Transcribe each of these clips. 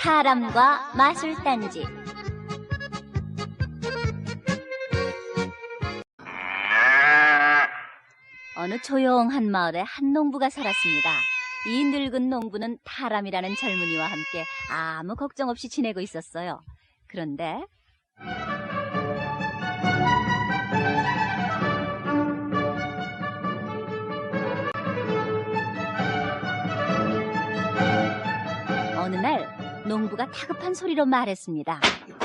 사람과 마술단지. 어느 조용한 마을에 한 농부가 살았습니다. 이 늙은 농부는 타람이라는 젊은이와 함께 아무 걱정 없이 지내고 있었어요. 그런데 어느 날 농부가 다급한 소리로 말했습니다.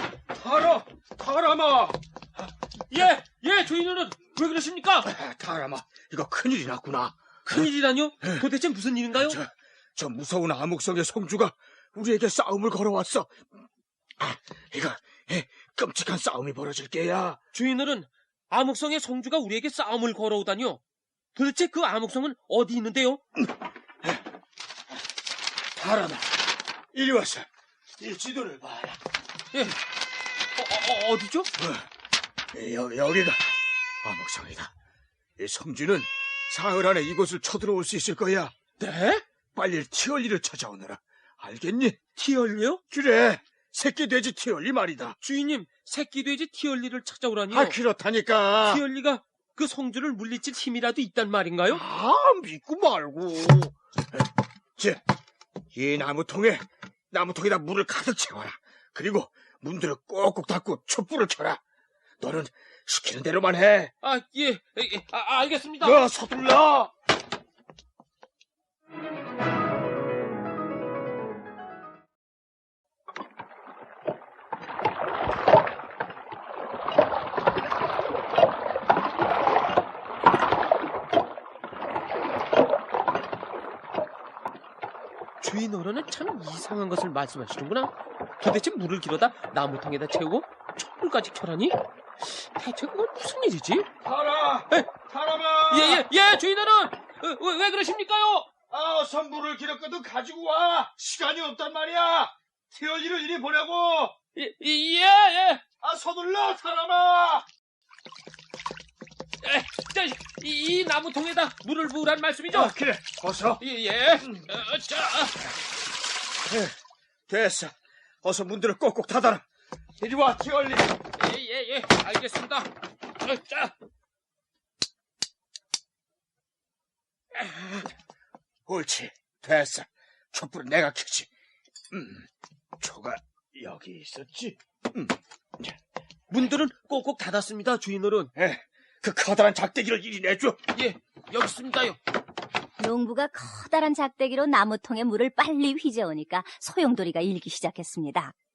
타람아! 예, 주인어른, 왜 그러십니까? 타람아, 이거 큰일이 났구나. 큰일이라뇨? 도대체 무슨 일인가요? 저 무서운 암흑성의 성주가 우리에게 싸움을 걸어왔어. 이거 끔찍한 싸움이 벌어질 게야. 주인어른, 암흑성의 성주가 우리에게 싸움을 걸어오다뇨? 도대체 그 암흑성은 어디 있는데요? 타람아, 이리 와서 이 지도를 봐라. 예, 어디죠? 여기가 암흑성이다. 이 성주는 사흘 안에 이곳을 쳐들어올 수 있을 거야. 네? 빨리 티얼리를 찾아오너라. 알겠니? 티얼리요? 그래, 새끼 돼지 티얼리 말이다. 주인님, 새끼 돼지 티얼리를 찾아오라니요? 그렇다니까. 티얼리가 그 성주를 물리칠 힘이라도 있단 말인가요? 믿고 말고. 이 나무통에다 물을 가득 채워라. 그리고 문들을 꼭꼭 닫고 촛불을 켜라. 너는 시키는 대로만 해. 알겠습니다. 너 서둘러. 주인어른은 참 이상한 것을 말씀하시는구나. 도대체 물을 길어다 나무통에다 채우고 촛불까지 켜라니? 대체 그건 무슨 일이지? 타람아. 예, 주인어른! 왜 그러십니까요? 어서 물을 길었거든 가지고 와. 시간이 없단 말이야. 티얼리를 이리 보내고. 예. 서둘러, 타람아. 이 나무통에다 물을 부으란 말씀이죠? 그래, 어서. 됐어. 어서 문들을 꼭꼭 닫아라. 이리 와, 티얼리. 예, 알겠습니다. 옳지, 됐어. 촛불은 내가 켜지. 초가 여기 있었지. 문들은 꼭꼭 닫았습니다, 주인어른. 그 커다란 작대기를 이리 내줘. 예, 여기 있습니다요. 농부가 커다란 작대기로 나무통에 물을 빨리 휘저으니까 소용돌이가 일기 시작했습니다.